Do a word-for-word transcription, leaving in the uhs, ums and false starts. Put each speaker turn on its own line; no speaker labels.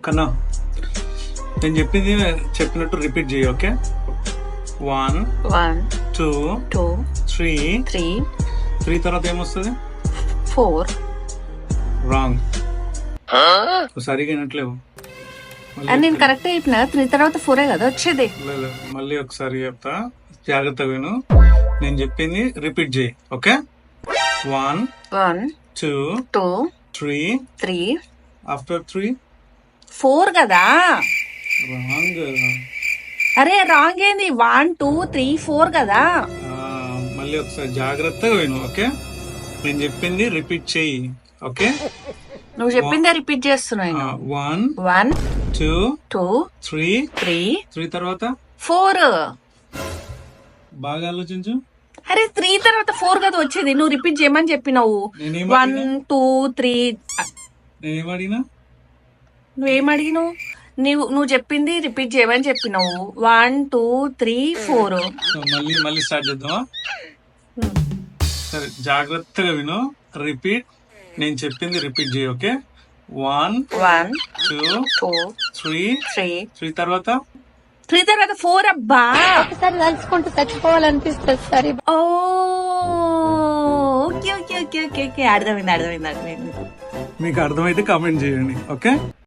కన్నా నేను చెప్పింది చెప్పినట్టు రిపీట్ చేయి. Okay, one
one
two
two
three
three
three తర్వాత ఏమొస్తుంది?
ఫోర్.
రాంగ్, సరిగా వినట్లేవు.
అని నేను కరెక్ట్ చెప్పిన త్రీ తర్వాత ఫోరే కదా వచ్చేది.
లేదు, మళ్ళీ ఒకసారి చెప్తా, జాగ్రత్త విను. నేను చెప్పింది రిపీట్ చేయి. Okay, one
one
two
two
three
three
after three
four కదా.
రాంగ్.
అరే రాంగ్ ఏంది? వన్ టూ త్రీ ఫోర్ కదా.
మళ్ళీ ఒకసారి జాగ్రత్తగా విను. ఓకే, నేను చెప్పింది రిపీట్ చేయి. ఓకే,
నువ్వు చెప్పిందే రిపీట్ చేస్తున్నా.
One
one
two
two
three
three
three తర్వాత
ఫోర్.
బాగా ఆలోచించు.
అరే త్రీ తర్వాత ఫోర్ కదా వచ్చేది. నువ్వు రిపీట్ చేయమని చెప్పినావు.
నేనేం
వన్
అడిగినా?
టూ త్రీ
నేనేం అడిగినా?
నువ్వేం అడిగినావు? నువ్వు నువ్వు చెప్పింది రిపీట్ చేయమని చెప్పినావు. One two three four.
So మళ్ళీ మళ్ళీ స్టార్ట్ చేద్దామా? సరే, జాగ్రత్తగా విను. రిపీట్, నేను చెప్పింది రిపీట్ చేయి. Okay, one
one
two
two
three
three
three తర్వాత
త్రీ తర్వాత ఫోర్. అబ్బా
ఒకసారి తలుచుకుంటూ చచ్చిపోవాలనిపిస్తుంది సరే.
Oh okay okay okay okay okay అర్థమైంది అర్థమైంది అర్థమైంది.
మీకు అర్థమైతే కామెంట్ చేయండి. ఓకే.